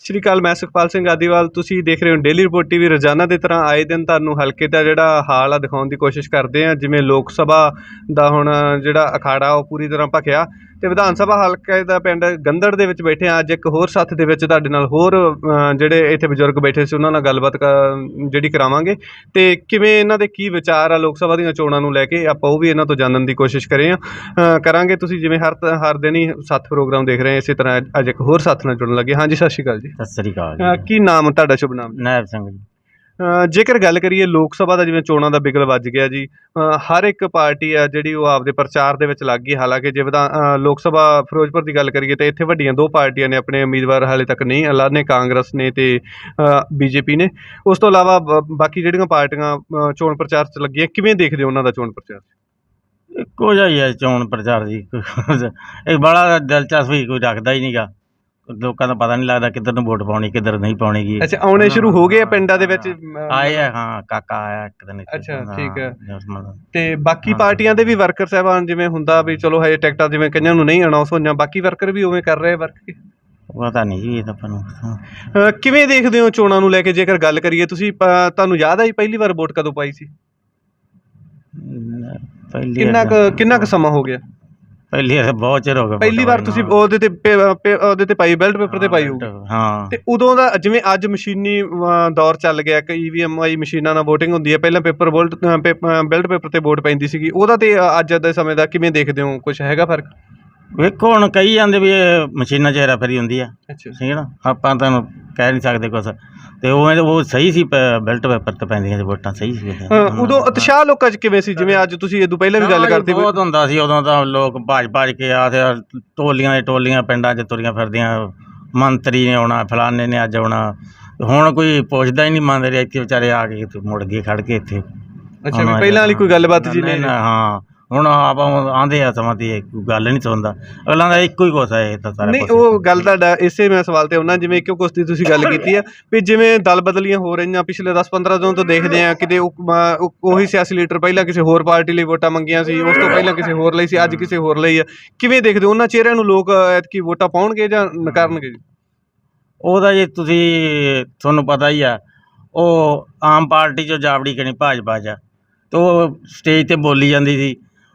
ਸ਼੍ਰੀ ਅਕਾਲ, ਮੈਂ ਸੁਖਪਾਲ ਸਿੰਘ ਆਦੀਵਾਲ। ਤੁਸੀਂ ਦੇਖ ਰਹੇ ਹੋ ਡੇਲੀ ਰਿਪੋਰਟ ਟੀਵੀ। ਰੋਜ਼ਾਨਾ ਦੀ ਤਰ੍ਹਾਂ ਆਏ ਦਿਨ ਤੁਹਾਨੂੰ ਹਲਕੇ ਦਾ ਜਿਹੜਾ ਹਾਲ ਆ ਦਿਖਾਉਣ ਦੀ ਕੋਸ਼ਿਸ਼ ਕਰਦੇ ਹਾਂ। ਜਿਵੇਂ ਲੋਕ ਸਭਾ ਦਾ ਹੁਣ ਜਿਹੜਾ ਅਖਾੜਾ ਉਹ ਪੂਰੀ ਤਰ੍ਹਾਂ ਭਖਿਆ ਅਤੇ ਵਿਧਾਨ ਸਭਾ ਹਲਕੇ ਦਾ ਪਿੰਡ ਗੰਦੜ ਦੇ ਵਿੱਚ ਬੈਠੇ ਹਾਂ। ਅੱਜ ਇੱਕ ਹੋਰ ਸੱਥ ਦੇ ਵਿੱਚ ਤੁਹਾਡੇ ਨਾਲ ਹੋਰ ਜਿਹੜੇ ਇੱਥੇ ਬਜ਼ੁਰਗ ਬੈਠੇ ਸੀ ਉਹਨਾਂ ਨਾਲ ਗੱਲਬਾਤ ਜਿਹੜੀ ਕਰਾਵਾਂਗੇ ਅਤੇ ਕਿਵੇਂ ਇਹਨਾਂ ਦੇ ਕੀ ਵਿਚਾਰ ਆ ਲੋਕ ਸਭਾ ਦੀਆਂ ਚੋਣਾਂ ਨੂੰ ਲੈ ਕੇ, ਆਪਾਂ ਉਹ ਵੀ ਇਹਨਾਂ ਤੋਂ ਜਾਣਨ ਦੀ ਕੋਸ਼ਿਸ਼ ਕਰਾਂਗੇ। ਤੁਸੀਂ ਜਿਵੇਂ ਹਰ ਦਿਨ ਹੀ ਸੱਥ ਪ੍ਰੋਗਰਾਮ ਦੇਖ ਰਹੇ ਇਸੇ ਤਰ੍ਹਾਂ ਅੱਜ ਇੱਕ ਹੋਰ ਸੱਥ ਨਾਲ ਜੁੜਨ ਲੱਗੇ। ਹਾਂਜੀ, ਸਤਿ ਸ਼੍ਰੀ ਅਕਾਲ ਜੀ। ਸਤਿ ਸ੍ਰੀ ਅਕਾਲ। ਕੀ ਨਾਮ ਤੁਹਾਡਾ, ਸ਼ੁਭ ਨਾਮ? ਨਾਇਬ ਸਿੰਘ ਜੀ। ਜੇਕਰ ਗੱਲ ਕਰੀਏ ਲੋਕ ਸਭਾ ਦਾ, ਜਿਵੇਂ ਚੋਣਾਂ ਦਾ ਬਿਗਲ ਵੱਜ ਗਿਆ ਜੀ, ਹਰ ਇੱਕ ਪਾਰਟੀ ਆ ਜਿਹੜੀ ਉਹ ਆਪਦੇ ਪ੍ਰਚਾਰ ਦੇ ਵਿੱਚ ਲੱਗ ਗਈ। ਹਾਲਾਂਕਿ ਜੇ ਲੋਕ ਸਭਾ ਫਿਰੋਜ਼ਪੁਰ ਦੀ ਗੱਲ ਕਰੀਏ ਤਾਂ ਇੱਥੇ ਵੱਡੀਆਂ ਦੋ ਪਾਰਟੀਆਂ ਨੇ ਆਪਣੇ ਉਮੀਦਵਾਰ ਹਾਲੇ ਤੱਕ ਨਹੀਂ ਐਲਾਨੇ, ਕਾਂਗਰਸ ਨੇ ਅਤੇ BJP ਨੇ। ਉਸ ਤੋਂ ਇਲਾਵਾ ਬਾਕੀ ਜਿਹੜੀਆਂ ਪਾਰਟੀਆਂ ਚੋਣ ਪ੍ਰਚਾਰ 'ਚ ਲੱਗੀਆਂ, ਕਿਵੇਂ ਦੇਖਦੇ ਹੋ ਉਹਨਾਂ ਦਾ ਚੋਣ ਪ੍ਰਚਾਰ? ਇੱਕੋ ਜਿਹਾ ਹੀ ਹੈ ਚੋਣ ਪ੍ਰਚਾਰ ਜੀ। ਇਹ ਬੜਾ ਦਿਲਚਸਪੀ ਕੋਈ ਰੱਖਦਾ ਹੀ ਨਹੀਂ ਗਾ। ਲੋਕਾਂ ਦਾ ਪਤਾ ਨਹੀਂ ਲੱਗਦਾ ਕਿੱਧਰ ਨੂੰ ਵੋਟ ਪਾਉਣੀ, ਕਿੱਧਰ ਨਹੀਂ ਪਾਉਣੀ ਗੀ। ਅੱਛਾ, ਆਉਣੇ ਸ਼ੁਰੂ ਹੋ ਗਏ ਆ ਪਿੰਡਾਂ ਦੇ ਵਿੱਚ? ਆਏ ਆ, ਹਾਂ, ਕਾਕਾ ਆਇਆ ਇੱਕ ਦਿਨ। ਅੱਛਾ, ਠੀਕ ਹੈ। ਅਤੇ ਬਾਕੀ ਪਾਰਟੀਆਂ ਦੇ ਵੀ ਵਰਕਰ ਸਾਹਿਬਾਨ, ਜਿਵੇਂ ਹੁੰਦਾ ਵੀ ਚਲੋ ਹਜੇ ਟਿਕਟਾਂ ਜਿਵੇਂ ਕਈਆਂ ਨੂੰ ਨਹੀਂ ਅਨਾਊਂਸ ਹੋਈਆਂ, ਬਾਕੀ ਵਰਕਰ ਵੀ ਉਵੇਂ ਕਰ ਰਹੇ ਵਰਕ? ਪਤਾ ਨਹੀਂ ਜੀ, ਇਹ ਤਾਂ ਆਪਾਂ ਨੂੰ। ਕਿਵੇਂ ਦੇਖਦੇ ਹੋ ਚੋਣਾਂ ਨੂੰ ਲੈ ਕੇ? ਜੇਕਰ ਗੱਲ ਕਰੀਏ, ਤੁਸੀਂ ਤੁਹਾਨੂੰ ਯਾਦ ਆਈ ਪਹਿਲੀ ਵਾਰ ਵੋਟ ਕਦੋਂ ਪਾਈ ਸੀ? ਕਿੰਨਾ ਕੁ ਸਮਾਂ ਹੋ ਗਿਆ? ਪਹਿਲੀ ਵਾਰ ਬਹੁਤ ਚਿਰ ਹੋ ਗਿਆ। ਪਹਿਲੀ ਵਾਰ ਤੁਸੀਂ ਉਹਦੇ ਤੇ ਪਾਈ, ਬੈਲਟ ਪੇਪਰ ਤੇ ਪਾਈ ਹੋਊ? ਹਾਂ। ਤੇ ਉਦੋਂ ਦਾ, ਜਿਵੇਂ ਅੱਜ ਮਸ਼ੀਨੀ ਦੌਰ ਚੱਲ ਗਿਆ, EVM ਮਸ਼ੀਨਾਂ ਨਾਲ ਵੋਟਿੰਗ ਹੁੰਦੀ ਹੈ, ਪਹਿਲਾਂ ਬੈਲਟ ਪੇਪਰ ਤੇ ਵੋਟ ਪੈਂਦੀ ਸੀਗੀ, ਉਹਦਾ ਤੇ ਅੱਜ ਦੇ ਸਮੇਂ ਦਾ ਕਿਵੇਂ ਦੇਖਦੇ ਹੋ? ਕੁਛ ਹੈਗਾ ਫਰਕ? ਵੇਖੋ ਹੁਣ ਕਹੀ ਜਾਂਦੇ ਵੀ ਇਹ ਮਸ਼ੀਨਾਂ 'ਚ ਹੇਰਾਫੇਰੀ ਹੁੰਦੀ ਆ। ਅੱਛਾ, ਠੀਕ ਹੈ ਨਾ, ਆਪਾਂ ਤੁਹਾਨੂੰ ਕਹਿ ਨਹੀਂ ਸਕਦੇ ਕੁਛ। ਤੇ ਉਹ ਸਹੀ ਸੀ, ਬੈਲਟ ਪੇਪਰ ਤੇ ਪੈਂਦੀਆਂ ਸੀ ਵੋਟਾਂ, ਸਹੀ ਸੀ। ਉਦੋਂ ਉਤਸ਼ਾਹ ਲੋਕਾਂ 'ਚ ਕਿਵੇਂ ਸੀ? ਜਿਵੇਂ ਅੱਜ ਤੁਸੀਂ ਇਹ ਤੋਂ ਪਹਿਲਾਂ ਵੀ ਗੱਲ ਕਰਦੇ ਬਹੁਤ ਹੁੰਦਾ ਸੀ ਉਦੋਂ ਤਾਂ। ਲੋਕ ਭੱਜ ਕੇ ਆ ਤੇ ਟੋਲੀਆਂ ਦੇ ਟੋਲੀਆਂ ਪਿੰਡਾਂ 'ਚ ਤੁਰੀਆਂ ਫਿਰਦੀਆਂ, ਮੰਤਰੀ ਨੇ ਆਉਣਾ, ਫਲਾਣੇ ਨੇ ਅੱਜ ਆਉਣਾ। ਹੁਣ ਕੋਈ ਪੁੱਛਦਾ ਹੀ ਨਹੀਂ, ਮੰਤਰੀ ਇੱਥੇ ਵਿਚਾਰੇ ਆ ਕੇ ਮੁੜ ਗਏ ਖੜ ਕੇ ਇੱਥੇ। ਅੱਛਾ, ਪਹਿਲਾਂ ਵਾਲੀ ਕੋਈ ਗੱਲਬਾਤ ਜੀ ਨਹੀਂ? ਹਾਂ, ਹੁਣ ਆਪਾਂ ਆਉਂਦੇ ਆ ਸਮਾਂ ਦੀ ਕੋਈ ਗੱਲ ਨਹੀਂ ਸੁਣਦਾ ਅਗਲਾ ਦਾ, ਇੱਕੋ ਹੀ ਕੁਛ ਹੈ ਇਹ ਤਾਂ ਸਾਰਾ। ਨਹੀਂ, ਉਹ ਗੱਲ ਤੁਹਾਡਾ ਇਸੇ ਮੈਂ ਸਵਾਲ ਤੇ ਆਉਣਾ, ਜਿਵੇਂ ਕਿਉਂ ਕੁਛ ਦੀ ਤੁਸੀਂ ਗੱਲ ਕੀਤੀ ਆ ਵੀ ਜਿਵੇਂ ਦਲ ਬਦਲੀਆਂ ਹੋ ਰਹੀਆਂ ਪਿਛਲੇ 10-15 ਦਿਨ ਤੋਂ ਦੇਖਦੇ ਆ। ਕਿਤੇ ਉਹੀ ਸਿਆਸੀ ਲੀਡਰ ਪਹਿਲਾਂ ਕਿਸੇ ਹੋਰ ਪਾਰਟੀ ਲਈ ਵੋਟਾਂ ਮੰਗੀਆਂ ਸੀ, ਉਸ ਤੋਂ ਪਹਿਲਾਂ ਕਿਸੇ ਹੋਰ ਲਈ ਸੀ, ਅੱਜ ਕਿਸੇ ਹੋਰ ਲਈ ਆ। ਕਿਵੇਂ ਦੇਖਦੇ ਉਹਨਾਂ ਚਿਹਰਿਆਂ ਨੂੰ? ਲੋਕ ਐਤਕੀ ਵੋਟਾਂ ਪਾਉਣਗੇ ਜਾਂ ਨਕਾਰਨਗੇ ਜੀ? ਉਹਦਾ ਜੇ ਤੁਹਾਨੂੰ ਪਤਾ ਹੀ ਆ, ਉਹ ਆਮ ਪਾਰਟੀ 'ਚੋਂ ਜਾਵੜੀ ਕਣੀ ਭਾਜਪਾ 'ਚ ਆ, ਅਤੇ ਉਹ ਸਟੇਜ 'ਤੇ ਬੋਲੀ ਜਾਂਦੀ ਸੀ,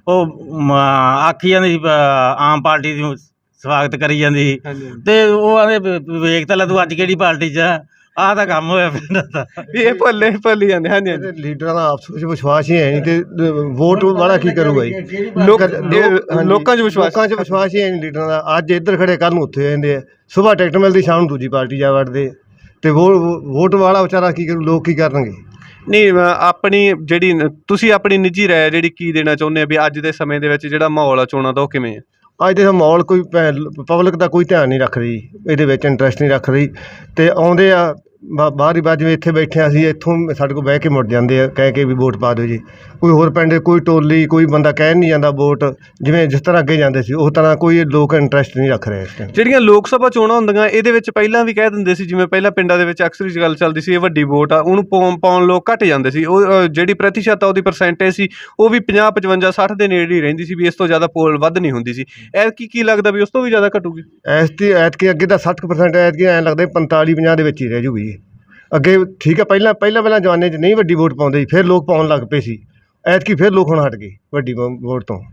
ਉਹ ਆਖੀ ਜਾਂਦੀ ਸੀ ਆਮ ਪਾਰਟੀ ਦੀ ਸਵਾਗਤ ਕਰੀ ਜਾਂਦੀ ਸੀ। ਅਤੇ ਉਹ ਆਂਦੇ ਵੇਖ ਤਾਂ ਲੈ ਤੂੰ ਅੱਜ ਕਿਹੜੀ ਪਾਰਟੀ 'ਚ ਆ। ਆਹ ਤਾਂ ਕੰਮ ਹੋਇਆ ਪਿੰਡਾਂ ਦਾ, ਇਹ ਭੁੱਲੀ ਜਾਂਦੇ। ਹਾਂਜੀ, ਲੀਡਰਾਂ ਦਾ ਆਪਸ ਵਿੱਚ ਵਿਸ਼ਵਾਸ ਹੀ ਹੈ ਨਹੀਂ, ਤੇ ਵੋਟ ਵਾਲਾ ਕੀ ਕਰੂਗਾ ਜੀ? ਲੋਕਾਂ 'ਚ ਵਿਸ਼ਵਾਸ ਹੀ ਹੈ ਨਹੀਂ ਲੀਡਰਾਂ ਦਾ। ਅੱਜ ਇੱਧਰ ਖੜੇ, ਕੱਲ੍ਹ ਨੂੰ ਉੱਥੇ ਹੋ ਜਾਂਦੇ ਆ। ਸੁਬਾਹ ਟਿਕਟ ਮਿਲਦੀ, ਸ਼ਾਮ ਨੂੰ ਦੂਜੀ ਪਾਰਟੀ ਜਾ ਵੜਦੇ, ਅਤੇ ਵੋਟ ਵਾਲਾ ਵਿਚਾਰਾ ਕੀ ਕਰੂ? ਲੋਕ ਕੀ ਕਰਨਗੇ? ਨਹੀਂ, ਆਪਣੀ ਜਿਹੜੀ ਤੁਸੀਂ ਆਪਣੀ ਨਿੱਜੀ ਰਾਏ ਜਿਹੜੀ ਕੀ ਦੇਣਾ ਚਾਹੁੰਦੇ ਆ ਵੀ ਅੱਜ ਦੇ ਸਮੇਂ ਦੇ ਵਿੱਚ ਜਿਹੜਾ ਮਾਹੌਲ ਆ ਚੋਣਾਂ ਦਾ, ਉਹ ਕਿਵੇਂ ਹੈ? ਅੱਜ ਦੇ ਮਾਹੌਲ ਕੋਈ ਪਬਲਿਕ ਦਾ ਕੋਈ ਧਿਆਨ ਨਹੀਂ ਰੱਖ ਰਹੀ, ਇਹਦੇ ਵਿੱਚ ਇੰਟਰਸਟ ਨਹੀਂ ਰੱਖ ਰਹੀ, ਅਤੇ ਆਉਂਦੇ ਆ ਬਾਹਰ ਹੀ ਬਾਅਦ, ਜਿਵੇਂ ਇੱਥੇ ਬੈਠੇ ਹਾਂ ਅਸੀਂ, ਇੱਥੋਂ ਸਾਡੇ ਕੋਲ ਬਹਿ ਕੇ ਮੁੜ ਜਾਂਦੇ ਆ ਕਹਿ ਕੇ ਵੀ ਵੋਟ ਪਾ ਦਿਓ ਜੀ। ਕੋਈ ਹੋਰ ਪਿੰਡ, ਕੋਈ ਟੋਲੀ, ਕੋਈ ਬੰਦਾ ਕਹਿ ਨਹੀਂ ਜਾਂਦਾ ਵੋਟ, ਜਿਸ ਤਰ੍ਹਾਂ ਅੱਗੇ ਜਾਂਦੇ ਸੀ ਉਸ ਤਰ੍ਹਾਂ ਕੋਈ ਲੋਕ ਇੰਟਰਸਟ ਨਹੀਂ ਰੱਖ ਰਹੇ ਇਸ ਟਾਈਮ। ਜਿਹੜੀਆਂ ਲੋਕ ਸਭਾ ਚੋਣਾਂ ਹੁੰਦੀਆਂ ਇਹਦੇ ਵਿੱਚ ਪਹਿਲਾਂ ਵੀ ਕਹਿ ਦਿੰਦੇ ਸੀ, ਜਿਵੇਂ ਪਹਿਲਾਂ ਪਿੰਡਾਂ ਦੇ ਵਿੱਚ ਅਕਸਰ ਹੀ ਗੱਲ ਚੱਲਦੀ ਸੀ, ਇਹ ਵੱਡੀ ਵੋਟ ਆ, ਉਹਨੂੰ ਪਾਉਣ ਲੋਕ ਘੱਟ ਜਾਂਦੇ ਸੀ। ਉਹ ਜਿਹੜੀ ਪ੍ਰਤੀਸ਼ਤ ਆ, ਉਹਦੀ ਪਰਸੈਂਟੇਜ ਸੀ, ਉਹ ਵੀ 50, 55, 60 ਦੇ ਨੇੜੇ ਹੀ ਰਹਿੰਦੀ ਸੀ, ਵੀ ਇਸ ਤੋਂ ਜ਼ਿਆਦਾ ਪੋਲ ਵੱਧ ਨਹੀਂ ਹੁੰਦੀ ਸੀ। ਐਤਕੀ ਕੀ ਲੱਗਦਾ ਵੀ ਉਸ ਤੋਂ ਵੀ ਜ਼ਿਆਦਾ ਘਟੂਗੀ? ਐਤਕੀ ਅੱਗੇ ਤਾਂ 60%, ਐਤਕੀ ਐਂ ਲੱਗਦਾ 45, 50 ਦੇ ਵਿੱਚ ਹੀ ਰਹਿ ਜੂਗੀ। ਅੱਗੇ ਠੀਕ ਹੈ, ਪਹਿਲਾਂ ਜ਼ਮਾਨੇ 'ਚ ਨਹੀਂ ਵੱਡੀ ਵੋਟ ਪਾਉਂਦੇ ਸੀ, ਫਿਰ ਲੋਕ ਪਾਉਣ ਲੱਗ ਪਏ ਸੀ। ਐਤਕੀ ਫਿਰ ਲੋਕ ਹੁਣ ਹਟ ਗਏ ਵੱਡੀ ਵੋਟ ਤੋਂ।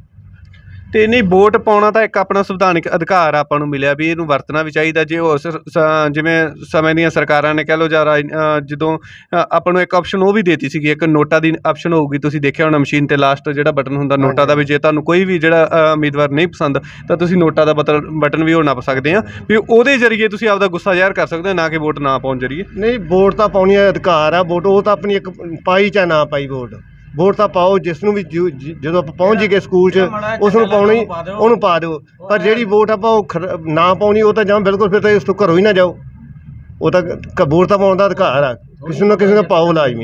ਅਤੇ ਨਹੀਂ, ਵੋਟ ਪਾਉਣਾ ਤਾਂ ਇੱਕ ਆਪਣਾ ਸੰਵਿਧਾਨਿਕ ਅਧਿਕਾਰ ਆਪਾਂ ਨੂੰ ਮਿਲਿਆ ਵੀ ਇਹਨੂੰ ਵਰਤਣਾ ਵੀ ਚਾਹੀਦਾ। ਜੇ ਉਹ ਜਿਵੇਂ ਸਮੇਂ ਦੀਆਂ ਸਰਕਾਰਾਂ ਨੇ ਕਹਿ ਲਓ, ਜਾਂ ਜਦੋਂ ਆਪਾਂ ਨੂੰ ਇੱਕ ਆਪਸ਼ਨ ਉਹ ਵੀ ਦੇਤੀ ਸੀਗੀ, ਇੱਕ ਨੋਟਾਂ ਦੀ ਆਪਸ਼ਨ ਹੋਊਗੀ। ਤੁਸੀਂ ਦੇਖਿਆ ਹੋਣਾ ਮਸ਼ੀਨ 'ਤੇ ਲਾਸਟ ਜਿਹੜਾ ਬਟਨ ਹੁੰਦਾ ਨੋਟਾਂ ਦਾ, ਵੀ ਜੇ ਤੁਹਾਨੂੰ ਕੋਈ ਵੀ ਜਿਹੜਾ ਉਮੀਦਵਾਰ ਨਹੀਂ ਪਸੰਦ ਤਾਂ ਤੁਸੀਂ ਨੋਟਾਂ ਦਾ ਬਟਨ ਵੀ ਉਹ ਨੱਪ ਸਕਦੇ ਆ, ਵੀ ਉਹਦੇ ਜ਼ਰੀਏ ਤੁਸੀਂ ਆਪਦਾ ਗੁੱਸਾ ਜ਼ਾਹਿਰ ਕਰ ਸਕਦੇ ਹੋ, ਨਾ ਕਿ ਵੋਟ ਨਾ ਪਾਉਣ ਜ਼ਰੀਏ। ਨਹੀਂ, ਵੋਟ ਤਾਂ ਪਾਉਣੀ ਅਧਿਕਾਰ ਆ। ਵੋਟ ਉਹ ਤਾਂ ਆਪਣੀ ਇੱਕ ਪਾਈ ਚਾਹੇ ਨਾ ਪਾਈ, ਵੋਟ ਤਾਂ ਪਾਓ। ਜਿਸ ਨੂੰ ਵੀ ਜਦੋਂ ਆਪਾਂ ਪਹੁੰਚ ਜੀਏ ਸਕੂਲ 'ਚ, ਉਸ ਨੂੰ ਪਾਉਣੀ, ਉਹਨੂੰ ਪਾ ਦਿਓ। ਪਰ ਜਿਹੜੀ ਵੋਟ ਆਪਾਂ ਉਹ ਨਾ ਪਾਉਣੀ, ਉਹ ਤਾਂ ਜਾਂ ਬਿਲਕੁਲ ਫਿਰ ਤਾਂ ਇਸ ਤੋਂ ਘਰੋਂ ਹੀ ਨਾ ਜਾਓ। ਉਹ ਤਾਂ ਵੋਟ ਤਾਂ ਪਾਉਣ ਦਾ ਅਧਿਕਾਰ ਆ, ਕਿਸੇ ਨਾ ਕਿਸੇ ਨੂੰ ਪਾਓ ਲਾਜ਼ਮੀ।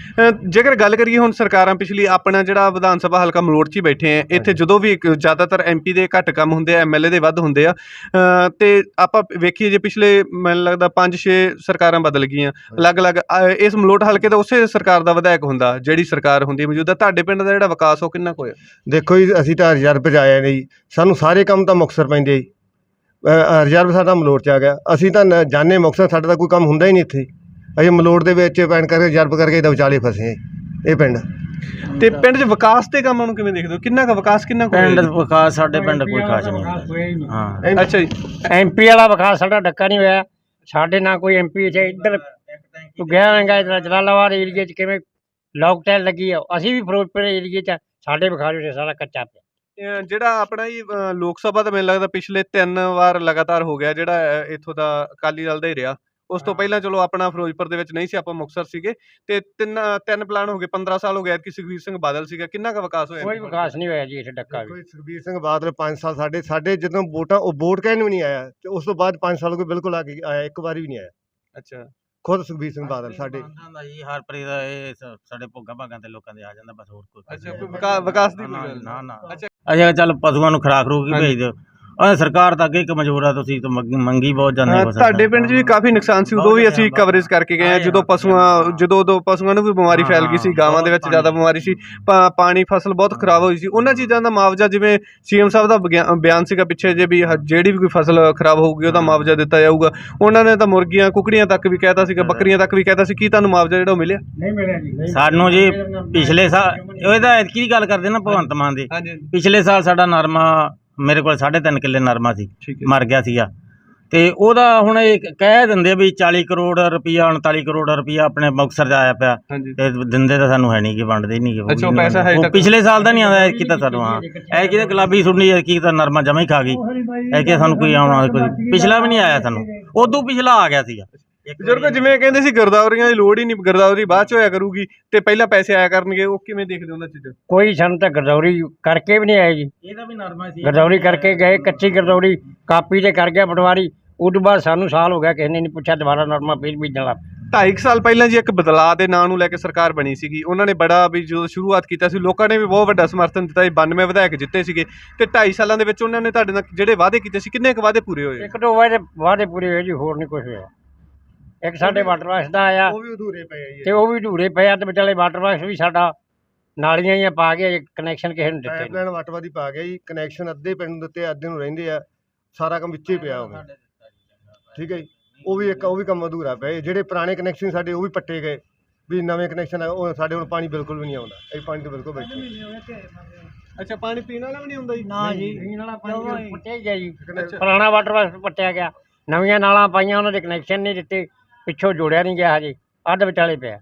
ਜੇਕਰ ਗੱਲ ਕਰੀਏ ਹੁਣ ਸਰਕਾਰਾਂ ਪਿਛਲੀ, ਆਪਣਾ ਜਿਹੜਾ ਵਿਧਾਨ ਸਭਾ ਹਲਕਾ ਮਲੋਟ 'ਚ ਹੀ ਬੈਠੇ ਆ, ਇੱਥੇ ਜਦੋਂ ਵੀ ਜ਼ਿਆਦਾਤਰ MP ਦੇ ਘੱਟ ਕੰਮ ਹੁੰਦੇ ਆ, MLA ਦੇ ਵੱਧ ਹੁੰਦੇ ਆ। ਅਤੇ ਆਪਾਂ ਵੇਖੀਏ ਜੇ ਪਿਛਲੇ ਮੈਨੂੰ ਲੱਗਦਾ 5-6 ਸਰਕਾਰਾਂ ਬਦਲ ਗਈਆਂ ਅਲੱਗ-ਅਲੱਗ। ਇਸ ਮਲੋਟ ਹਲਕੇ ਦਾ ਉਸੇ ਸਰਕਾਰ ਦਾ ਵਿਧਾਇਕ ਹੁੰਦਾ, ਜਿਹੜੀ ਸਰਕਾਰ ਹੁੰਦੀ ਮੌਜੂਦਾ। ਤੁਹਾਡੇ ਪਿੰਡ ਦਾ ਜਿਹੜਾ ਵਿਕਾਸ ਉਹ ਕਿੰਨਾ ਕੁ ਹੋਇਆ? ਦੇਖੋ ਜੀ, ਅਸੀਂ ਤਾਂ ਰਿਜ਼ਰਵ 'ਚ ਆਏ ਨੇ ਜੀ, ਸਾਨੂੰ ਸਾਰੇ ਕੰਮ ਤਾਂ ਮੁਕਤਸਰ ਪੈਂਦੇ ਜੀ। ਰਿਜ਼ਰਵ ਸਾਡਾ ਮਲੋਟ 'ਚ ਆ ਗਿਆ। ਅਸੀਂ ਤਾਂ ਜਾਣੇ ਮੁਕਤਸਰ, ਸਾਡਾ ਤਾਂ ਕੋਈ ਕੰਮ ਹੁੰਦਾ ਹੀ ਨਹੀਂ ਇੱਥੇ। ਅਸੀਂ ਮਲੋਟ ਦੇ ਵਿੱਚ ਪੈਣ ਕਰਕੇ ਰਿਜ਼ਰਵ ਕਰਕੇ ਇਹਦਾ ਵਿਚਾਲੇ ਫਸੇ ਹਾਂ ਇਹ ਪਿੰਡ। ਤੇ ਪਿੰਡ 'ਚ ਵਿਕਾਸ ਦੇ ਕੰਮਾਂ ਨੂੰ ਕਿਵੇਂ ਦੇਖਦੇ ਹੋ? ਕਿੰਨਾ ਕੁ ਵਿਕਾਸ, ਕਿੰਨਾ ਕੁ ਪਿੰਡ ਹੋਇਆ ਜੀ? ਵਿਕਾਸ ਸਾਡੇ ਪਿੰਡ ਕੋਈ ਖਾਸ ਨਹੀਂ ਹੁੰਦਾ। ਹਾਂ ਅੱਛਾ ਜੀ। MP ਵਾਲਾ ਵਿਕਾਸ ਸਾਡਾ ਡੱਕਾ ਨਹੀਂ ਹੋਇਆ। ਸਾਡੇ ਨਾਲ ਕੋਈ MP ਇੱਥੇ ਇੱਧਰ ਤੂੰ ਗਿਆ ਹੋਵੇਂਗਾ ਇੱਧਰ ਜਲਾਲਾਬਾਦ ਏਰੀਏ 'ਚ ਕਿਵੇਂ ਲੋਕ ਟੈਲ ਲੱਗੀ ਆ। ਅਸੀਂ ਵੀ ਫਿਰੋਜ਼ਪੁਰ ਏਰੀਏ 'ਚ ਸਾਡੇ ਵਿਕਾਸ ਵਿੱਚ ਸਾਰਾ ਕੱਚਾ ਪਿਆ। ਜਿਹੜਾ ਆਪਣਾ ਜੀ ਲੋਕ ਸਭਾ ਦਾ ਮੈਨੂੰ ਲੱਗਦਾ ਪਿਛਲੇ 3 ਵਾਰ ਲਗਾਤਾਰ ਹੋ ਗਿਆ ਜਿਹੜਾ ਇੱਥੋਂ ਦਾ ਅਕਾਲੀ ਦਲ ਦਾ ਹੀ ਰਿਹਾ। ਉਸ ਤੋਂ ਪਹਿਲਾਂ ਚਲੋ ਆਪਣਾ ਫਿਰੋਜ਼ਪੁਰ ਦੇ ਵਿੱਚ ਨਹੀਂ ਸੀ, ਆਪਾਂ ਮੁਕਤਸਰ ਸੀਗੇ। ਤੇ ਤਿੰਨ ਪਲਾਨ ਹੋ ਗਏ, 15 ਸਾਲ ਹੋ ਗਏ ਕਿ ਸੁਖਬੀਰ ਸਿੰਘ ਬਾਦਲ ਸੀਗਾ। ਕਿੰਨਾ ਕੁ ਵਿਕਾਸ ਹੋਇਆ? ਕੋਈ ਵਿਕਾਸ ਨਹੀਂ ਹੋਇਆ ਜੀ ਇੱਥੇ ਡੱਕਾ ਵੀ। ਕੋਈ ਸੁਖਬੀਰ ਸਿੰਘ ਬਾਦਲ 5 ਸਾਲ ਸਾਡੇ ਜਦੋਂ ਵੋਟਾਂ ਉਹ ਵੋਟ ਕਹਿਣ ਵੀ ਨਹੀਂ ਆਇਆ, ਤੇ ਉਸ ਤੋਂ ਬਾਅਦ 5 ਸਾਲ ਕੋਈ ਬਿਲਕੁਲ ਆ ਕੇ ਆਇਆ, ਇੱਕ ਵਾਰੀ ਵੀ ਨਹੀਂ ਆਇਆ। ਅੱਛਾ। ਖੁਦ ਸੁਖਬੀਰ ਸਿੰਘ ਬਾਦਲ ਸਾਡੇ ਜੀ ਹਰਪ੍ਰੀਤ ਦਾ ਇਹ ਸਾਡੇ ਭੋਗਾ ਭਾਗਾਂ ਤੇ ਲੋਕਾਂ ਦੇ ਆ ਜਾਂਦਾ ਬਸ, ਹੋਰ ਕੋਈ ਅੱਛਾ, ਕੋਈ ਵਿਕਾਸ ਦੀ ਕੋਈ ਗੱਲ ਨਾ ਨਾ। ਅੱਛਾ। ਅੱਛਾ ਚੱਲ ਪਸ਼ੂਆਂ ਨੂੰ ਖੁਰਾਕ ਖਰੂਕ ਹੀ ਭੇਜ ਦਿਓ। ਸਰਕਾਰ ਤਾਂ ਅੱਗੇ ਇੱਕ ਮਜਬੂਰ ਆ, ਤੁਸੀਂ ਤਾਂ ਮੰਗੀ ਬਹੁਤ ਜਾਂਦੇ ਹੋ। ਤੁਹਾਡੇ ਪਿੰਡ 'ਚ ਵੀ ਕਾਫੀ ਨੁਕਸਾਨ ਸੀ, ਉਦੋਂ ਵੀ ਅਸੀਂ ਕਵਰੇਜ ਕਰਕੇ ਗਏ ਹਾਂ। ਜਦੋਂ ਉਦੋਂ ਪਸ਼ੂਆਂ ਨੂੰ ਵੀ ਬਿਮਾਰੀ ਫੈਲ ਗਈ ਸੀ, ਗਾਵਾਂ ਦੇ ਵਿੱਚ ਜ਼ਿਆਦਾ ਬਿਮਾਰੀ ਸੀ, ਪਾਣੀ ਫਸਲ ਬਹੁਤ ਖਰਾਬ ਹੋਈ ਸੀ। ਉਹਨਾਂ ਚੀਜ਼ਾਂ ਦਾ ਮੁਆਵਜ਼ਾ, ਜਿਵੇਂ CM ਸਾਹਿਬ ਦਾ ਬਿਆਨ ਸੀਗਾ ਪਿੱਛੇ ਜੇ ਵੀ ਜਿਹੜੀ ਵੀ ਕੋਈ ਫਸਲ ਖਰਾਬ ਹੋਊਗੀ ਉਹਦਾ ਮੁਆਵਜ਼ਾ ਦਿੱਤਾ ਜਾਊਗਾ। ਉਹਨਾਂ ਨੇ ਤਾਂ ਮੁਰਗੀਆਂ ਕੁਕੜੀਆਂ ਤੱਕ ਵੀ ਕਹਿਤਾ ਸੀਗਾ, ਬੱਕਰੀਆਂ ਤੱਕ ਵੀ ਕਹਿਤਾ ਸੀ। ਕੀ ਤੁਹਾਨੂੰ ਮੁਆਵਜ਼ਾ ਜਿਹੜਾ ਉਹ ਮਿਲਿਆ? ਨਹੀਂ ਮਿਲਿਆ ਜੀ ਸਾਨੂੰ ਜੀ ਪਿਛਲੇ ਸਾਲ ਇਹਦਾ ਐਤਕੀ ਗੱਲ ਕਰਦੇ ਨਾ ਭਗਵੰਤ ਮਾਨ ਦੇ। ਪਿਛਲੇ ਸਾਲ ਸਾਡਾ ਨਰਮਾ ਮੇਰੇ ਕੋਲ 3.5 ਕਿੱਲੇ ਨਰਮਾ ਸੀ, ਮਰ ਗਿਆ ਸੀਗਾ। ਤੇ ਉਹਦਾ ਹੁਣ ਇਹ ਕਹਿ ਦਿੰਦੇ ਵੀ 40 ਕਰੋੜ ਰੁਪਈਆ 39 ਕਰੋੜ ਰੁਪਈਆ ਆਪਣੇ ਮੁਕਤਸਰ 'ਚ ਆਇਆ ਪਿਆ। ਤੇ ਦਿੰਦੇ ਤਾਂ ਸਾਨੂੰ ਹੈ ਨਹੀਂ, ਕਿ ਵੰਡਦੇ ਨਹੀਂ ਗੇ। ਪਿਛਲੇ ਸਾਲ ਦਾ ਨਹੀਂ ਆਉਂਦਾ, ਐਤਕੀ ਤਾਂ ਸਾਨੂੰ ਹਾਂ ਐਤਕੀ ਤਾਂ ਗੁਲਾਬੀ ਸੁਣਨੀ, ਐਤਕੀ ਤਾਂ ਨਰਮਾ ਜਮਾ ਹੀ ਖਾ ਗਈ। ਐਤਕੀ ਸਾਨੂੰ ਕੋਈ ਆਉਣਾ, ਕੋਈ ਪਿਛਲਾ ਵੀ ਨਹੀਂ ਆਇਆ ਸਾਨੂੰ, ਉਦੋਂ ਪਿਛਲਾ ਆ ਗਿਆ ਸੀਗਾ। ਬਜ਼ੁਰਗ ਜਿਵੇਂ ਕਹਿੰਦੇ ਸੀ ਗਿਰਦਾਵਰੀਆਂ ਦੀ ਲੋੜ ਹੀ ਨਹੀਂ, ਗਿਰਦਾਵਰੀ ਬਾਅਦ 'ਚ ਹੋਇਆ ਕਰੂਗੀ ਤੇ ਪਹਿਲਾਂ ਪੈਸੇ ਆਇਆ ਕਰਨਗੇ, ਉਹ ਕਿਵੇਂ ਦੇਖਦੇ ਉਹਨਾਂ ਚੀਜ਼ਾਂ? ਕੋਈ ਸਾਨੂੰ ਤਾਂ ਗਰਦੌਰੀ ਕਰਕੇ ਵੀ ਨਹੀਂ ਆਏ ਜੀ। ਇਹਦਾ ਵੀ ਨਰਮਾ ਸੀ, ਗਰਦੌਰੀ ਕਰਕੇ ਗਏ, ਕੱਚੀ ਗਰਦੌਰੀ ਕਾਪੀ ਤੇ ਕਰ ਗਿਆ ਪਟਵਾਰੀ। ਉਹ ਤੋਂ ਬਾਅਦ ਸਾਨੂੰ ਸਾਲ ਹੋ ਗਿਆ, ਕਿਸੇ ਨੇ ਨਹੀਂ ਪੁੱਛਿਆ, ਦੁਬਾਰਾ ਨਰਮਾ ਫਿਰ ਬੀਜਣ ਲੱਗ ਪਏ। 2.5 ਸਾਲ ਪਹਿਲਾਂ ਜੀ ਇੱਕ ਬਦਲਾਅ ਦੇ ਨਾਂ ਨੂੰ ਲੈ ਕੇ ਸਰਕਾਰ ਬਣੀ ਸੀਗੀ। ਉਹਨਾਂ ਨੇ ਬੜਾ ਵੀ ਜਦੋਂ ਸ਼ੁਰੂਆਤ ਕੀਤਾ ਸੀ, ਲੋਕਾਂ ਨੇ ਵੀ ਬਹੁਤ ਵੱਡਾ ਸਮਰਥਨ ਦਿੱਤਾ ਸੀ। 92 ਵਿਧਾਇਕ ਜਿੱਤੇ ਸੀਗੇ ਤੇ 2.5 ਸਾਲਾਂ ਦੇ ਵਿੱਚ ਉਹਨਾਂ ਨੇ ਤੁਹਾਡੇ ਨਾਲ ਜਿਹੜੇ ਵਾਅਦੇ ਕੀਤੇ ਸੀ, ਕਿੰਨੇ ਕੁ ਵਾਅਦੇ ਪੂਰੇ ਹੋਏ? ਇੱਕ ਦੋ ਵਾਅਦੇ ਪੂਰੇ ਹੋਏ ਜੀ, ਹੋਰ ਨਹੀਂ ਕੁਝ ਹੋਇਆ। ਇੱਕ ਸਾਡੇ ਵਾਟਰ ਬਾਕਸ ਦਾ ਆਇਆ, ਉਹ ਵੀ ਅਧੂਰੇ ਪਏ ਜੀ। ਤੇ ਉਹ ਵੀ ਅਧੂਰੇ ਪਏ ਆ। ਤੇ ਵਿਚਾਲੇ ਵਾਟਰ ਬਾਕਸ ਵੀ ਸਾਡਾ ਨਾਲੀਆਂ ਹੀ ਪਾ ਕੇ ਕਨੈਕਸ਼ਨ ਕਿਸੇ ਨੂੰ ਦਿੱਤੇ ਨਹੀਂ। ਪਾਈਪਲਾਈਨ ਵਟਵਾਦੀ ਪਾ ਗਿਆ ਜੀ, ਕਨੈਕਸ਼ਨ ਅੱਧੇ ਪਿੰਡ ਨੂੰ ਦਿੱਤੇ, ਅੱਧੇ ਨੂੰ ਰਹਿੰਦੇ ਆ। ਸਾਰਾ ਕੰਮ ਵਿੱਚੇ ਪਿਆ ਹੋਵੇ, ਠੀਕ ਹੈ ਜੀ। ਉਹ ਵੀ ਕੰਮ ਅਧੂਰਾ ਪਿਆ। ਜਿਹੜੇ ਪੁਰਾਣੇ ਕਨੈਕਸ਼ਨ ਸਾਡੇ ਉਹ ਵੀ ਪੱਟੇ ਗਏ, ਵੀ ਨਵੇਂ ਕਨੈਕਸ਼ਨ ਆ ਉਹ ਸਾਡੇ ਹੁਣ ਪਾਣੀ ਬਿਲਕੁਲ ਵੀ ਨਹੀਂ ਆਉਂਦਾ। ਇਹ ਪਾਣੀ ਤੋਂ ਬਿਲਕੁਲ ਬੈਠੇ। ਅੱਛਾ, ਪਾਣੀ ਪੀਣ ਵਾਲਾ ਵੀ ਨਹੀਂ ਹੁੰਦਾ ਜੀ? ਨਾ ਜੀ, ਪੀਣ ਵਾਲਾ ਪਾਣੀ ਪੱਟਿਆ ਗਿਆ ਜੀ। ਪੁਰਾਣਾ ਵਾਟਰ ਬਾਕਸ ਪੱਟਿਆ ਗਿਆ, ਨਵੀਆਂ ਨਾਲਾਂ ਪਾਈਆਂ, ਉਹਨਾਂ ਦੇ ਕਨੈਕਸ਼ਨ ਨਹੀਂ ਦਿੱਤੇ, ਪਿੱਛੋਂ ਜੋੜਿਆ ਨਹੀਂ ਗਿਆ ਹਜੇ, ਅੱਧ ਵਿਚਾਲੇ ਪਿਆ।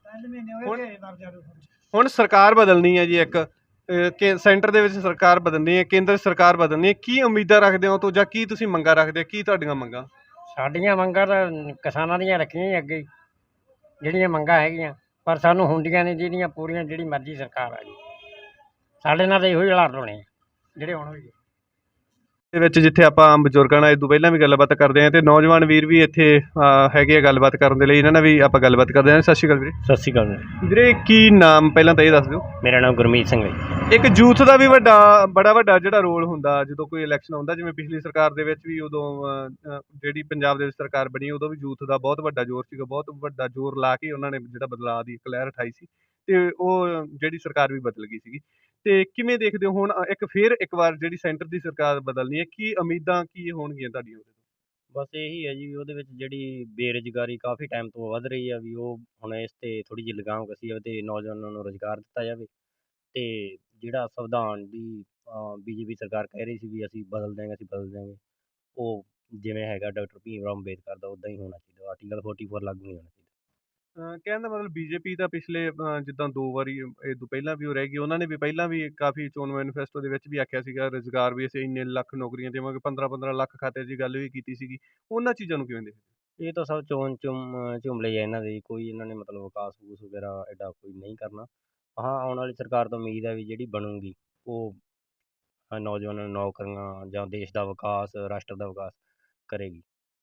ਹੁਣ ਸਰਕਾਰ ਬਦਲਣੀ ਹੈ ਜੀ, ਇੱਕ ਸੈਂਟਰ ਦੇ ਵਿੱਚ ਸਰਕਾਰ ਬਦਲਣੀ ਹੈ, ਕੇਂਦਰ ਸਰਕਾਰ ਬਦਲਣੀ ਹੈ। ਕੀ ਉਮੀਦਾਂ ਰੱਖਦੇ ਹੋ ਤੋਂ, ਜਾਂ ਕੀ ਤੁਸੀਂ ਮੰਗਾਂ ਰੱਖਦੇ ਹੋ? ਕੀ ਤੁਹਾਡੀਆਂ ਮੰਗਾਂ? ਸਾਡੀਆਂ ਮੰਗਾਂ ਤਾਂ ਕਿਸਾਨਾਂ ਦੀਆਂ ਰੱਖੀਆਂ ਹੀ ਅੱਗੇ, ਜਿਹੜੀਆਂ ਮੰਗਾਂ ਹੈਗੀਆਂ, ਪਰ ਸਾਨੂੰ ਹੁੰਦੀਆਂ ਨਹੀਂ ਜਿਹੜੀਆਂ ਪੂਰੀਆਂ, ਜਿਹੜੀ ਮਰਜ਼ੀ ਸਰਕਾਰ ਆ ਜੀ। ਸਾਡੇ ਨਾਲ ਤਾਂ ਇਹੋ ਹੀ ਹਾਲਾਤ ਹੋਣੇ ਜਿਹੜੇ ਹੁਣ ਹੋਏ ਦੇ ਵਿੱਚ, ਜਿੱਥੇ ਆਪਾਂ ਬਜ਼ੁਰਗਾਂ ਨਾਲ ਇਦੋਂ ਪਹਿਲਾਂ ਵੀ ਗੱਲਬਾਤ ਕਰਦੇ ਹਾਂ ਤੇ ਨੌਜਵਾਨ ਵੀਰ ਵੀ ਇੱਥੇ ਹੈਗੇ ਆ ਗੱਲਬਾਤ ਕਰਨ ਦੇ ਲਈ। ਇਹਨਾਂ ਨਾਲ ਵੀ ਆਪਾਂ ਗੱਲਬਾਤ ਕਰਦੇ ਹਾਂ। ਸਤਿ ਸ਼੍ਰੀ ਅਕਾਲ ਵੀਰੇ। ਸਤਿ ਸ਼੍ਰੀ ਅਕਾਲ ਵੀਰੇ, ਕੀ ਨਾਮ ਪਹਿਲਾਂ ਤਾਂ ਇਹ ਦੱਸ ਦਿਓ। ਮੇਰਾ ਨਾਮ ਗੁਰਮੀਤ ਸਿੰਘ ਹੈ। ਇੱਕ ਯੂਥ ਦਾ ਵੀ ਬੜਾ ਵੱਡਾ ਜਿਹੜਾ ਰੋਲ ਹੁੰਦਾ ਜਦੋਂ ਕੋਈ ਇਲੈਕਸ਼ਨ ਆਉਂਦਾ, ਜਿਵੇਂ ਪਿਛਲੀ ਸਰਕਾਰ ਦੇ ਵਿੱਚ ਵੀ ਉਦੋਂ ਜਿਹੜੀ ਪੰਜਾਬ ਦੇ ਵਿੱਚ ਸਰਕਾਰ ਬਣੀ, ਉਦੋਂ ਵੀ ਯੂਥ ਦਾ ਬਹੁਤ ਵੱਡਾ ਜ਼ੋਰ ਸੀਗਾ। ਬਹੁਤ ਵੱਡਾ ਜ਼ੋਰ ਲਾ ਕੇ ਉਹਨਾਂ ਨੇ ਜਿਹੜਾ ਬਦਲਾਅ ਦੀ ਇੱਕ ਲਹਿਰ ਉਠਾਈ ਸੀ ਤੇ ਉਹ ਜਿਹੜੀ ਸਰਕਾਰ ਵੀ ਬਦਲ ਗਈ ਸੀਗੀ। ਤੇ ਕਿਵੇਂ ਦੇਖਦੇ ਹੋ ਹੁਣ ਇੱਕ ਵਾਰ ਜਿਹੜੀ ਸੈਂਟਰ ਦੀ ਸਰਕਾਰ ਬਦਲਣੀ ਹੈ, ਕੀ ਉਮੀਦਾਂ ਕੀ ਹੋਣਗੀਆਂ ਤੁਹਾਡੀਆਂ? ਬਸ ਇਹੀ ਹੈ ਜੀ, ਉਹਦੇ ਵਿੱਚ ਜਿਹੜੀ ਬੇਰੁਜ਼ਗਾਰੀ ਕਾਫੀ ਟਾਈਮ ਤੋਂ ਵੱਧ ਰਹੀ ਆ, ਵੀ ਉਹ ਹੁਣ ਇਸ ਤੇ ਥੋੜ੍ਹੀ ਜਿਹੀ ਲਗਾਮ ਕਸੀ ਜਾਵੇ ਤੇ ਨੌਜਵਾਨਾਂ ਨੂੰ ਰੁਜ਼ਗਾਰ ਦਿੱਤਾ ਜਾਵੇ। ਤੇ ਜਿਹੜਾ ਸੰਵਿਧਾਨ ਦੀ BJP ਸਰਕਾਰ ਕਹਿ ਰਹੀ ਸੀ ਵੀ ਅਸੀਂ ਬਦਲ ਦਿਆਂਗੇ, ਉਹ ਜਿਵੇਂ ਹੈਗਾ ਡਾਕਟਰ ਭੀਮ ਰਾਓ ਅੰਬੇਦਕਰ ਦਾ, ਉੱਦਾਂ ਹੀ ਹੋਣਾ ਚਾਹੀਦਾ। ਆਰਟੀਕਲ 44 ਲਾਗੂ ਨਹੀਂ ਹੋਣਾ ਚਾਹੀਦਾ। ਕਹਿਣ ਦਾ ਮਤਲਬ BJP ਤਾਂ ਪਿਛਲੇ ਜਿੱਦਾਂ 2 ਵਾਰੀ ਇਹ ਤੋਂ ਪਹਿਲਾਂ ਵੀ ਉਹ ਰਹਿ ਗਈ। ਉਹਨਾਂ ਨੇ ਵੀ ਪਹਿਲਾਂ ਵੀ ਕਾਫੀ ਚੋਣ ਮੈਨੀਫੈਸਟੋ ਦੇ ਵਿੱਚ ਵੀ ਆਖਿਆ ਸੀਗਾ ਰੁਜ਼ਗਾਰ ਵੀ ਅਸੀਂ ਇੰਨੇ ਲੱਖ ਨੌਕਰੀਆਂ ਦੇਵਾਂਗੇ, 15-15 ਲੱਖ ਖਾਤੇ ਦੀ ਗੱਲ ਵੀ ਕੀਤੀ ਸੀਗੀ। ਉਹਨਾਂ ਚੀਜ਼ਾਂ ਨੂੰ ਕਿਵੇਂ ਦੇਖਦੇ? ਇਹ ਤਾਂ ਸਭ ਚੋਣ ਝੁਮਲੇ ਆ ਇਹਨਾਂ ਦੇ, ਕੋਈ ਇਹਨਾਂ ਨੇ ਮਤਲਬ ਵਿਕਾਸ ਵੂਸ ਵਗੈਰਾ ਐਡਾ ਕੋਈ ਨਹੀਂ ਕਰਨਾ। ਹਾਂ, ਆਉਣ ਵਾਲੀ ਸਰਕਾਰ ਤੋਂ ਉਮੀਦ ਹੈ ਵੀ ਜਿਹੜੀ ਬਣੂਗੀ ਉਹ ਨੌਜਵਾਨਾਂ ਨੂੰ ਨੌਕਰੀਆਂ ਜਾਂ ਦੇਸ਼ ਦਾ ਵਿਕਾਸ, ਰਾਸ਼ਟਰ ਦਾ ਵਿਕਾਸ ਕਰੇਗੀ।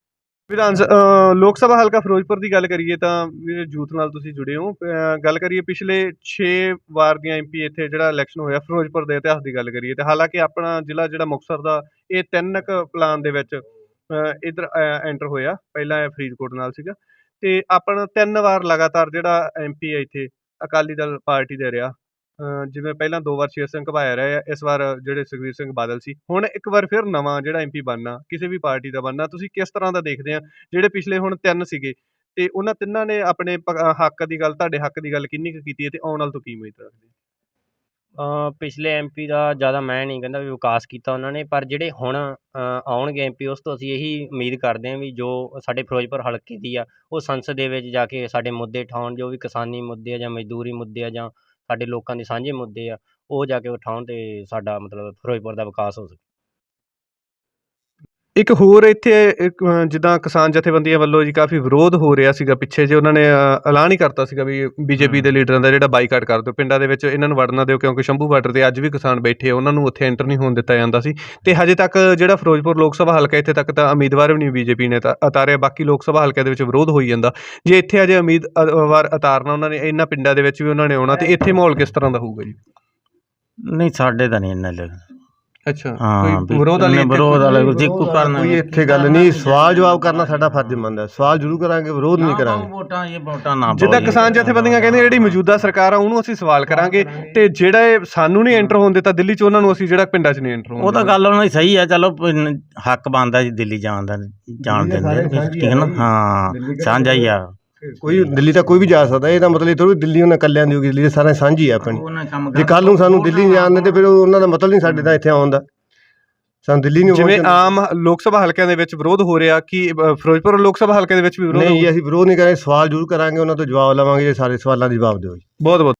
ਲੋਕ ਸਭਾ ਹਲਕਾ ਫਿਰੋਜ਼ਪੁਰ ਦੀ ਗੱਲ ਕਰੀਏ ਤਾਂ ਵੀਰੇ, ਯੂਥ ਨਾਲ ਤੁਸੀਂ ਜੁੜੇ ਹੋ। ਗੱਲ ਕਰੀਏ ਪਿਛਲੇ 6 ਵਾਰ ਦੀਆਂ MP ਇੱਥੇ ਜਿਹੜਾ ਇਲੈਕਸ਼ਨ ਹੋਇਆ ਫਿਰੋਜ਼ਪੁਰ ਦੇ ਇਤਿਹਾਸ ਦੀ ਗੱਲ ਕਰੀਏ, ਤੇ ਹਾਲਾਂਕਿ ਆਪਣਾ ਜ਼ਿਲ੍ਹਾ ਜਿਹੜਾ ਮੁਕਤਸਰ ਦਾ ਇਹ 3 ਪਲਾਨ ਦੇ ਵਿੱਚ ਇੱਧਰ ਐਂਟਰ ਹੋਇਆ। ਪਹਿਲਾਂ ਇਹ ਫਰੀਦਕੋਟ ਨਾਲ ਸੀਗਾ ਤੇ ਆਪਣਾ 3 ਵਾਰ ਲਗਾਤਾਰ ਜਿਹੜਾ MP ਹੈ ਇੱਥੇ ਅਕਾਲੀ ਦਲ ਪਾਰਟੀ ਦਾ ਰਿਹਾ। ਜਿਵੇਂ ਪਹਿਲਾਂ 2 ਵਾਰ ਸ਼ੇਰ ਸਿੰਘ ਘੁਬਾਇਆ ਰਹੇ ਆ, ਇਸ ਵਾਰ ਜਿਹੜੇ ਸੁਖਬੀਰ ਸਿੰਘ ਬਾਦਲ ਸੀ, ਹੁਣ ਇੱਕ ਵਾਰ ਫਿਰ ਨਵਾਂ ਜਿਹੜਾ MP ਬਣਨਾ, ਕਿਸੇ ਵੀ ਪਾਰਟੀ ਦਾ ਬਣਨਾ, ਤੁਸੀਂ ਕਿਸ ਤਰ੍ਹਾਂ ਦਾ ਦੇਖਦੇ ਆ? ਜਿਹੜੇ ਪਿਛਲੇ ਹੁਣ 3 ਸੀਗੇ ਤੇ ਉਹਨਾਂ ਤਿੰਨਾਂ ਨੇ ਆਪਣੇ ਹੱਕ ਦੀ ਗੱਲ, ਤੁਹਾਡੇ ਹੱਕ ਦੀ ਗੱਲ ਕਿੰਨੀ ਕੁ ਕੀਤੀ ਹੈ ਤੇ ਆਉਣ ਵਾਲ ਤੋਂ ਕੀ ਉਮੀਦ ਰੱਖਦੇ? ਪਿਛਲੇ MP ਦਾ ਜ਼ਿਆਦਾ ਮੈਂ ਨਹੀਂ ਕਹਿੰਦਾ ਵੀ ਵਿਕਾਸ ਕੀਤਾ ਉਹਨਾਂ ਨੇ, ਪਰ ਜਿਹੜੇ ਹੁਣ ਆਉਣਗੇ MP ਉਸ ਤੋਂ ਅਸੀਂ ਇਹੀ ਉਮੀਦ ਕਰਦੇ ਹਾਂ ਵੀ ਜੋ ਸਾਡੇ ਫਿਰੋਜ਼ਪੁਰ ਹਲਕੇ ਦੀ ਆ ਉਹ ਸੰਸਦ ਦੇ ਵਿੱਚ ਜਾ ਕੇ ਸਾਡੇ ਮੁੱਦੇ ਉਠਾਉਣ, ਜੋ ਵੀ ਕਿਸਾਨੀ ਮੁੱਦੇ ਆ ਜਾਂ ਮਜ਼ਦੂਰੀ ਮੁੱਦੇ ਆ ਜਾਂ ਸਾਡੇ ਲੋਕਾਂ ਦੇ ਸਾਂਝੇ ਮੁੱਦੇ ਆ, ਉਹ ਜਾ ਕੇ ਉਠਾਉਣ ਤੇ ਸਾਡਾ ਮਤਲਬ ਫਿਰੋਜ਼ਪੁਰ ਦਾ ਵਿਕਾਸ ਹੋ ਸਕੇ। ਇੱਕ ਹੋਰ ਇੱਥੇ ਜਿੱਦਾਂ ਕਿਸਾਨ ਜਥੇਬੰਦੀਆਂ ਵੱਲੋਂ ਜੀ ਕਾਫੀ ਵਿਰੋਧ ਹੋ ਰਿਹਾ ਸੀਗਾ ਪਿੱਛੇ ਜੇ, ਉਹਨਾਂ ਨੇ ਐਲਾਨ ਹੀ ਕਰਤਾ ਸੀਗਾ ਵੀ BJP ਦੇ ਲੀਡਰਾਂ ਦਾ ਜਿਹੜਾ ਬਾਈਕਾਟ ਕਰ ਦਿਓ, ਪਿੰਡਾਂ ਦੇ ਵਿੱਚ ਇਹਨਾਂ ਨੂੰ ਵੜਨ ਨਾ ਦਿਓ, ਕਿਉਂਕਿ ਸ਼ੰਭੂ ਬਾਰਡਰ 'ਤੇ ਅੱਜ ਵੀ ਕਿਸਾਨ ਬੈਠੇ ਆ, ਉਹਨਾਂ ਨੂੰ ਉੱਥੇ ਐਂਟਰ ਨਹੀਂ ਹੋਣ ਦਿੱਤਾ ਜਾਂਦਾ ਸੀ। ਤੇ ਹਜੇ ਤੱਕ ਜਿਹੜਾ ਫਿਰੋਜ਼ਪੁਰ ਲੋਕ ਸਭਾ ਹਲਕਾ, ਇੱਥੇ ਤੱਕ ਤਾਂ ਉਮੀਦਵਾਰ ਵੀ ਨਹੀਂ BJP ਨੇ ਤਾਂ ਉਤਾਰਿਆ, ਬਾਕੀ ਲੋਕ ਸਭਾ ਹਲਕਿਆਂ ਦੇ ਵਿੱਚ ਵਿਰੋਧ ਹੋਈ ਜਾਂਦਾ। ਜੇ ਇੱਥੇ ਅਜੇ ਉਮੀਦਵਾਰ ਉਤਾਰਨਾ ਉਹਨਾਂ ਨੇ, ਇਹਨਾਂ ਪਿੰਡਾਂ ਦੇ ਵਿੱਚ ਵੀ ਉਹਨਾਂ ਨੇ ਆਉਣਾ, ਤੇ ਇੱਥੇ ਮਾਹੌਲ ਕਿਸ ਤਰ੍ਹਾਂ ਦਾ ਹੋਊਗਾ ਜੀ? ਨਹੀਂ ਸਾਡੇ ਤਾਂ ਨਹੀਂ ਇੰਨਾ ਅੱਛਾ, ਹਾਂ ਕੋਈ ਵਿਰੋਧ ਵਾਲੀ ਵਿਰੋਧ ਵਾਲੇ ਜੇ ਕੋਈ ਕਰਨਾ ਕੋਈ ਇੱਥੇ ਗੱਲ ਨਹੀਂ, ਸਵਾਲ ਜਵਾਬ ਕਰਨਾ ਸਾਡਾ ਫਰਜ਼ ਬਣਦਾ, ਸਵਾਲ ਜ਼ਰੂਰ ਕਰਾਂਗੇ, ਵਿਰੋਧ ਨਹੀਂ ਕਰਾਂਗੇ। ਵੋਟਾਂ ਨਾ ਜਿੱਦਾਂ ਕਿਸਾਨ ਜਥੇਬੰਦੀਆਂ ਕਹਿੰਦੇ ਜਿਹੜੀ ਮੌਜੂਦਾ ਸਰਕਾਰ ਆ ਉਹਨੂੰ ਅਸੀਂ ਸਵਾਲ ਕਰਾਂਗੇ, ਤੇ ਜਿਹੜਾ ਇਹ ਸਾਨੂੰ ਨਹੀਂ ਐਂਟਰ ਹੋਣ ਦਿੱਤਾ ਦਿੱਲੀ 'ਚ, ਉਹਨਾਂ ਨੂੰ ਅਸੀਂ ਜਿਹੜਾ ਪਿੰਡਾਂ 'ਚ ਨਹੀਂ ਐਂਟਰ ਹੋਣ ਉਹ ਤਾਂ ਗੱਲ ਉਹਨਾਂ ਦੀ ਸਹੀ ਆ, ਚਲੋ ਹੱਕ ਬਣਦਾ ਜੀ ਦਿੱਲੀ ਜਾਣ ਦਾ, ਜਾਣ ਦਿੰਦੇ ਠੀਕ ਹੈ ਨਾ, ਹਾਂ ਸਾਂਝਾ ਹੀ ਆ। ਕੋਈ ਦਿੱਲੀ ਤਾਂ ਕੋਈ ਵੀ ਜਾ ਸਕਦਾ, ਇਹਦਾ ਮਤਲਬ ਇਹ ਥੋੜ੍ਹੀ ਦਿੱਲੀ ਉਹਨਾਂ ਇਕੱਲਿਆਂ ਦੀ ਹੋਊਗੀ, ਦਿੱਲੀ ਸਾਰਾ ਸਾਂਝੀ ਆ ਆਪਣੀ। ਜੇ ਕੱਲ੍ਹ ਨੂੰ ਸਾਨੂੰ ਦਿੱਲੀ ਨਹੀਂ ਜਾਣ ਦਿੰਦੇ ਫਿਰ ਉਹਨਾਂ ਦਾ ਮਤਲਬ ਨਹੀਂ ਸਾਡੇ ਤਾਂ ਇੱਥੇ ਆਉਣ ਦਾ, ਸਾਨੂੰ ਦਿੱਲੀ ਨਹੀਂ। ਜਿਵੇਂ ਆਮ ਲੋਕ ਸਭਾ ਹਲਕਿਆਂ ਦੇ ਵਿੱਚ ਵਿਰੋਧ ਹੋ ਰਿਹਾ, ਕਿ ਫਿਰੋਜ਼ਪੁਰ ਲੋਕ ਸਭਾ ਹਲਕੇ ਦੇ ਵਿੱਚ ਵੀ ਵਿਰੋਧ? ਨਹੀਂ, ਅਸੀਂ ਵਿਰੋਧ ਨਹੀਂ ਕਰਾਂਗੇ, ਸਵਾਲ ਜ਼ਰੂਰ ਕਰਾਂਗੇ, ਉਹਨਾਂ ਤੋਂ ਜਵਾਬ ਲਵਾਂਗੇ, ਜੇ ਸਾਰੇ ਸਵਾਲਾਂ ਦੇ ਜਵਾਬ ਦਿਓ। ਬਹੁਤ ਬਹੁਤ